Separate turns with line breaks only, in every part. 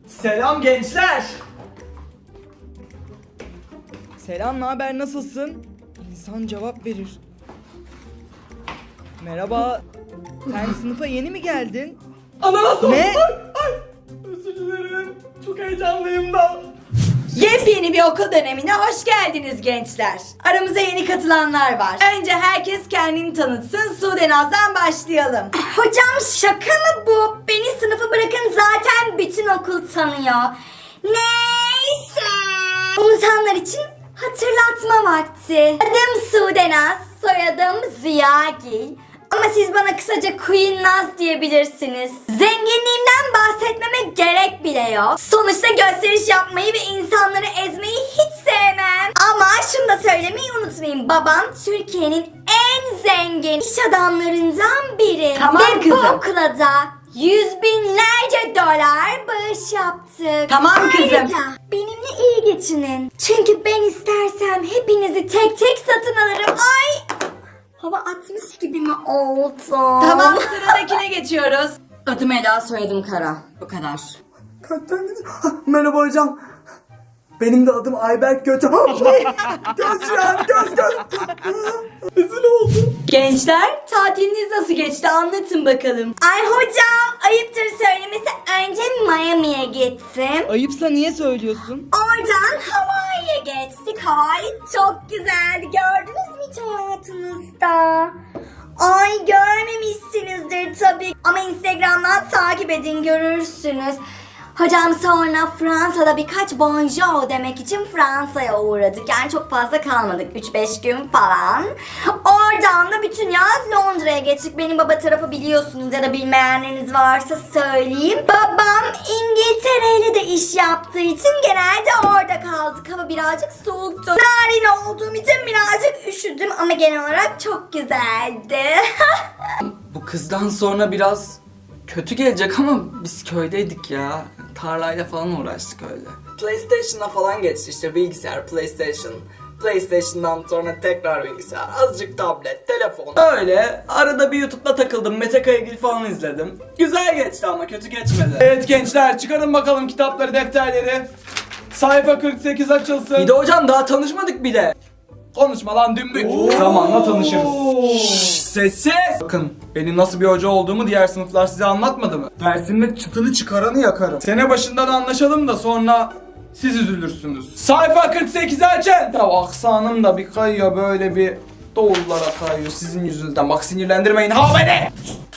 Selam gençler.
Selam, naber, nasılsın? İnsan cevap verir. Merhaba. Sen sınıfa yeni mi geldin?
Ananas oldu.
Ne?
Ay. Özür dilerim. Çok heyecanlıyım da.
Yepyeni bir okul dönemine hoş geldiniz gençler. Aramıza yeni katılanlar var. Önce herkes kendini tanıtsın. Sudenaz'dan başlayalım.
Hocam şaka mı bu? Beni sınıfı bırakın, zaten bütün okul tanıyor. Neyse. Unutanlar için hatırlatma vakti. Adım Sudenaz, soyadım Ziyagil. Ama siz bana kısaca Queen Naz diyebilirsiniz. Zenginliğimden bahsetmeme gerek bile yok. Sonuçta gösteriş yapmayı ve insanları ezmeyi hiç sevmem. Ama şunu da söylemeyi unutmayın. Babam Türkiye'nin en zengin iş adamlarından biri.
Tamam
ve bu
kızım.
okula da yüz binlerce dolar bağış yaptık.
Tamam kızım.
Ayrıca benimle iyi geçinin. Çünkü ben istersem hepinizi tek tek satın alırım. Ay! Hava atmış gibi mi oldu?
Tamam, sıradakine geçiyoruz. Adım Ela, soyadım Kara. Bu kadar.
Merhaba hocam. Benim de adım Ayberk Göte. Göz ya, göz. Rezil oldum.
Gençler, tatiliniz nasıl geçti? Anlatın bakalım.
Ay hocam, ayıptır söylemesi, önce Miami'ye gittim.
Ayıpsa niye söylüyorsun?
Oradan Hawaii'ye geçtik. Hawaii çok güzeldi. Gördünüz mü hiç hayatınızda? Ay görmemişsinizdir tabii. Ama Instagram'dan takip edin, görürsünüz. Hocam sonra Fransa'da birkaç bonjour demek için Fransa'ya uğradık. Yani çok fazla kalmadık. 3-5 gün falan. Oradan da bütün yaz Londra'ya geçtik. Benim baba tarafı biliyorsunuz ya da bilmeyenleriniz varsa söyleyeyim. Babam İngiltere ile de iş yaptığı için genelde orada kaldık. Hava birazcık soğuktu. Narin olduğum için birazcık üşüdüm ama genel olarak çok güzeldi.
Bu kızdan sonra biraz kötü gelecek ama biz köydeydik ya. Tarlayla falan uğraştık öyle. PlayStation'a falan geçti işte, bilgisayar, PlayStation. PlayStation'dan sonra tekrar bilgisayar, azıcık tablet, telefon. Öyle arada bir YouTube'da takıldım, Mete Kayagil falan izledim. Güzel geçti ama kötü geçmedi.
Evet gençler, çıkarın bakalım kitapları, defterleri. Sayfa 48 açılsın.
Bir de hocam daha tanışmadık bile.
Konuşma lan dümbük. Zamanla tanışırız. Şşş, sessiz. Bakın, benim nasıl bir hoca olduğumu diğer sınıflar size anlatmadı mı? Dersimde çıtını çıkaranı yakarım. Sene başından anlaşalım da sonra siz üzülürsünüz. Sayfa 48'i açın. Ya aksanım da bir kayıyor, böyle bir doğullara kayıyor sizin yüzünüzden. Bak sinirlendirmeyin ha beni.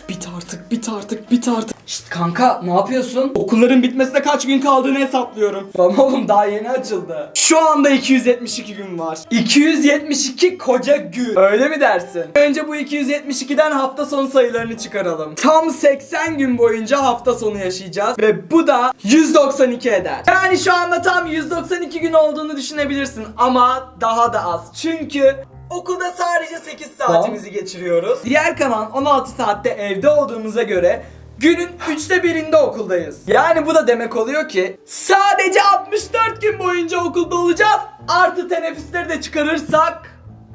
Bit artık.
Şşt kanka, ne yapıyorsun?
Okulların bitmesine kaç gün kaldığını hesaplıyorum.
Lan oğlum daha yeni açıldı.
Şu anda 272 gün var. 272 koca gün. Öyle mi dersin? Önce bu 272'den hafta sonu sayılarını çıkaralım. Tam 80 gün boyunca hafta sonu yaşayacağız. Ve bu da 192 eder. Yani şu anda tam 192 gün olduğunu düşünebilirsin. Ama daha da az. Çünkü okulda sadece 8 saatimizi geçiriyoruz. Diğer kalan 16 saatte evde olduğumuza göre günün 1/3'inde okuldayız. Yani bu da demek oluyor ki sadece 64 gün boyunca okulda olacağız. Artı teneffüsleri de çıkarırsak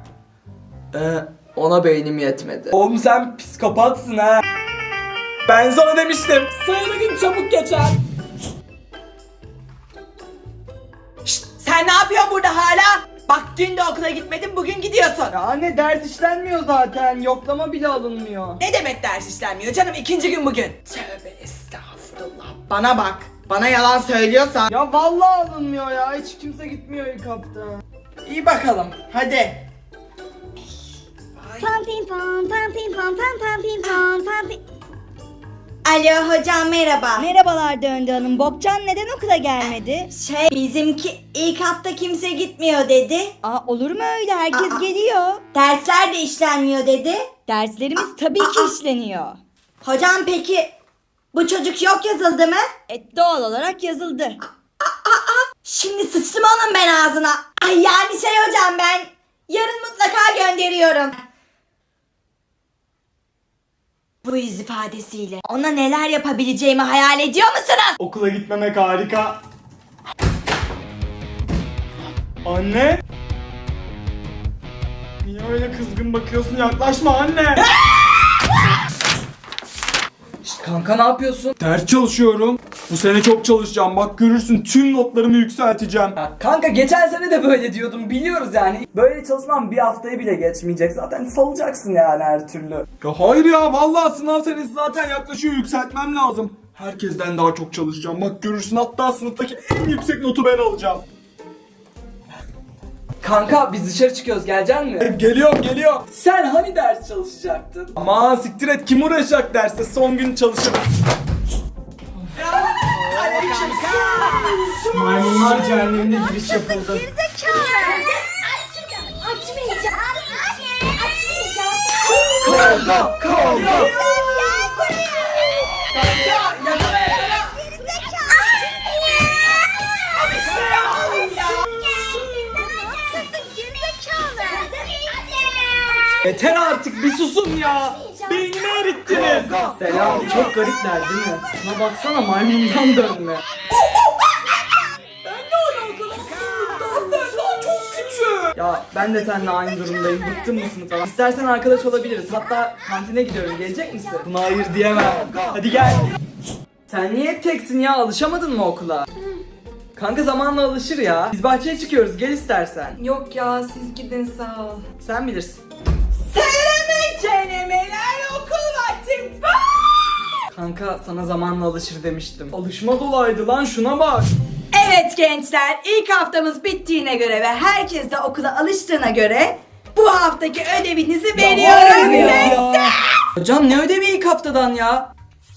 Ona beynim yetmedi.
oğlum sen psikopatsın ha. Ben sana demiştim. Sayılı gün çabuk geçer.
Şşt, sen ne yapıyorsun burada hala? Bak dün de okula gitmedin, bugün gidiyorsun.
Ya anne, ders işlenmiyor zaten. Yoklama bile alınmıyor.
Ne demek ders işlenmiyor canım, ikinci gün bugün. Tövbe estağfurullah. Bana bak, bana yalan söylüyorsan.
Ya vallahi alınmıyor ya. Hiç kimse gitmiyor ilk hafta.
İyi bakalım, hadi.
Pam pim pam pam pim pam pam pam pim pam pam pim.
Alo hocam, merhaba.
Merhabalar Döndü Hanım. Bokcan neden okula gelmedi?
Bizimki ilk hafta kimse gitmiyor dedi.
Aa, olur mu öyle? Herkes geliyor.
Dersler de işlenmiyor dedi.
Derslerimiz tabii ki işleniyor.
Hocam peki bu çocuk yok yazıldı mı?
Doğal olarak yazıldı.
Şimdi sıçtım onun ben ağzına. Ay yani hocam, ben yarın mutlaka gönderiyorum. Bu yüz ifadesiyle ona neler yapabileceğimi hayal ediyor musunuz?
Okula gitmemek harika. Anne? Niye öyle kızgın bakıyorsun? Yaklaşma anne.
Kanka ne yapıyorsun?
Ders çalışıyorum. Bu sene çok çalışacağım. Bak görürsün, tüm notlarımı yükselteceğim.
Ya kanka geçen sene de böyle diyordum, biliyoruz yani. Böyle çalışmam bir haftayı bile geçmeyecek. Zaten salacaksın yani her türlü.
Ya hayır ya, vallahi sınav senesi zaten yaklaşıyor, yükseltmem lazım. Herkesten daha çok çalışacağım. Bak görürsün, hatta sınıftaki en yüksek notu ben alacağım.
Kanka biz dışarı çıkıyoruz, gelecek mi?
Geliyor.
Sen hani ders çalışacaktın?
Aman siktir et, kim uğraşacak derste, son gün çalışırız. Maymunlar cehennemine giriş yapıldı.
Açmayacağım.
Kavga.
Yeter artık, bir susun ya. Beynimi erittiniz. Selam, çok garipler değil mi? Şuna baksana, maymundan dönme. Ya ben de seninle aynı durumdayım. Bıktım bu sınıftan. İstersen arkadaş olabiliriz. Hatta kantine gidiyorum. Gelecek misin?
Buna hayır diyemem. Hadi gel.
Sen niye hep teksin ya? Alışamadın mı okula? Kanka zamanla alışır ya. Biz bahçeye çıkıyoruz. Gel istersen.
Yok ya, siz gidin sağ ol.
Sen bilirsin.
Okul vaktim.
Kanka sana zamanla alışır demiştim. Alışmaz olaydı lan, şuna bak.
Evet gençler, ilk haftamız bittiğine göre ve herkes de okula alıştığına göre bu haftaki ödevinizi veriyorum size.
Hocam ne ödevi ilk haftadan ya?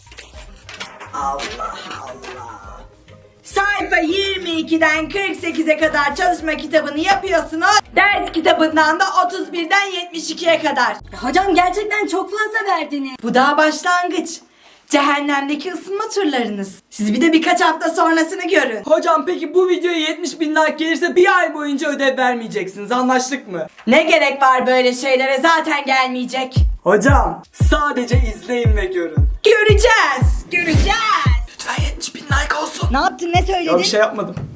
Sayfa 22'den 48'e kadar çalışma kitabını yapıyorsunuz. Ders kitabından da 31'den 72'ye kadar.
Hocam gerçekten çok fazla verdiniz.
Bu daha başlangıç. Cehennemdeki ısınma turlarınız. Siz bir de birkaç hafta sonrasını görün.
Hocam peki bu videoya 70.000 like gelirse bir ay boyunca ödev vermeyeceksiniz, anlaştık mı?
Ne gerek var böyle şeylere, zaten gelmeyecek.
Hocam sadece izleyin ve görün.
Göreceğiz.
Lütfen 70.000 like olsun.
Ne yaptın, ne söyledin?
Ya bir şey yapmadım.